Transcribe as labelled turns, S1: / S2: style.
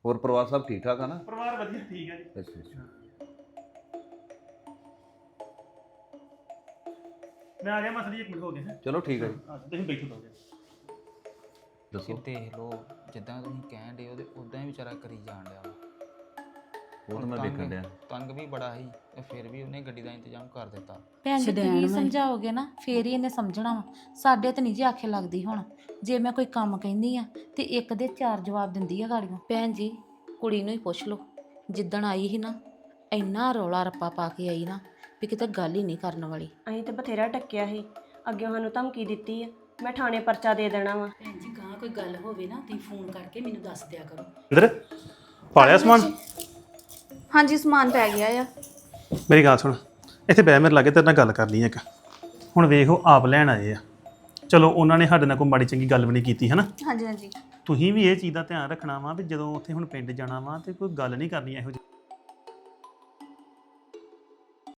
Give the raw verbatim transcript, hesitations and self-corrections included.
S1: ਹੋਰ ਪਰਿਵਾਰ ਸਭ ਠੀਕ ਠਾਕ ਆ ਨਾ?
S2: ਪਰਿਵਾਰ ਵਧੀਆ ਠੀਕ ਹੈ ਜੀ।
S1: ਅੱਛਾ ਅੱਛਾ
S2: ਮੈਂ ਆ ਗਿਆ ਮਾਸਟਰ ਜੀ, ਇੱਕ ਮਿੰਟ ਹੋ ਗਿਆ।
S1: ਚਲੋ ਠੀਕ ਹੈ ਜੀ।
S2: ਹਾਂ ਤੁਸੀਂ ਬੈਠੋ ਦੋ
S1: ਦੱਸੋ।
S3: ਦੇਖ ਲਓ ਜਿੱਦਾਂ ਤੁਸੀਂ ਕਹਿਣ ਡੇ ਉਹਦੇ ਉਦਾਂ ਹੀ ਵਿਚਾਰਾ ਕਰੀ ਜਾਣ ਡਿਆ ਵਾ।
S1: ਉਹ ਤਾਂ ਮੈਂ ਵੇਖਣ ਡਿਆ।
S3: ਤੰਗ ਵੀ ਬੜਾ ਸੀ ਤੇ ਫਿਰ ਵੀ ਉਹਨੇ ਗੱਡੀ ਦਾ ਇੰਤਜ਼ਾਮ ਕਰ ਦਿੱਤਾ।
S4: ਭੈਣ ਜੀ ਤੁਸੀਂ ਸਮਝਾਓਗੇ ਨਾ ਫੇਰ ਹੀ ਇਹਨੇ ਸਮਝਣਾ ਵਾ। ਸਾਡੇ ਤੇ ਨਹੀਂ ਜੀ ਆਖੇ ਲੱਗਦੀ। ਹੁਣ ਜੇ ਮੈਂ ਕੋਈ ਕੰਮ ਕਹਿੰਦੀ ਆ ਤੇ ਇੱਕ ਦੇ ਚਾਰ ਜਵਾਬ ਦਿੰਦੀ ਆ ਗਾੜੀਆਂ। ਭੈਣ ਜੀ ਕੁੜੀ ਨੂੰ ਹੀ ਪੁੱਛ ਲਓ, ਜਿੱਦਣ ਆਈ ਸੀ ਨਾ ਇੰਨਾ ਰੌਲਾ ਰੱਪਾ ਪਾ ਕੇ ਆਈ ਨਾ ਵੀ ਕਿਤੇ ਗੱਲ ਹੀ ਨਹੀਂ ਕਰਨ ਵਾਲੀ।
S5: ਅਸੀਂ ਤੇ ਬਥੇਰਾ ਟੱਕਿਆ ਸੀ, ਅੱਗੇ ਸਾਨੂੰ ਧਮਕੀ ਦਿੱਤੀ ਆ ਮੈਂ ਥਾਣੇ ਪਰਚਾ ਦੇ ਦੇਣਾ ਵਾ।
S6: ਭੈਣ ਜੀ ਗਾਂ ਕੋਈ ਗੱਲ ਹੋਵੇ ਨਾ ਤੁਸੀਂ ਫੋਨ ਕਰਕੇ ਮੈਨੂੰ ਦੱਸ ਦਿਆ ਕਰੋ।
S2: ਇੰਦਰ ਪਾ ਲਿਆ ਸਮਾਨ?
S7: ਹਾਂਜੀ ਸਮਾਨ ਪੈ ਗਿਆ ਆ।
S2: ਮੇਰੀ ਗੱਲ ਸੁਣ, ਇੱਥੇ ਬਹਿ ਮੇਰੇ ਲਾਗੇ ਤੇਰੇ ਨਾਲ ਗੱਲ ਕਰਨੀ ਹੈ ਇੱਕ। ਹੁਣ ਵੇਖੋ ਆਪ ਲੈਣ ਆਏ ਆ, ਚਲੋ ਉਹਨਾਂ ਨੇ ਸਾਡੇ ਨਾਲ ਕੋਈ ਮਾੜੀ ਚੰਗੀ ਗੱਲ ਵੀ ਨਹੀਂ ਕੀਤੀ ਹੈ ਨਾ।
S7: ਹਾਂਜੀ ਹਾਂਜੀ
S2: ਤੁਸੀਂ ਵੀ ਇਹ ਚੀਜ਼ ਦਾ ਧਿਆਨ ਰੱਖਣਾ ਵਾ ਵੀ ਜਦੋਂ ਉੱਥੇ ਹੁਣ ਪਿੰਡ ਜਾਣਾ ਵਾ ਤੇ ਕੋਈ ਗੱਲ ਨਹੀਂ ਕਰਨੀ ਇਹੋ ਜਿਹੀ।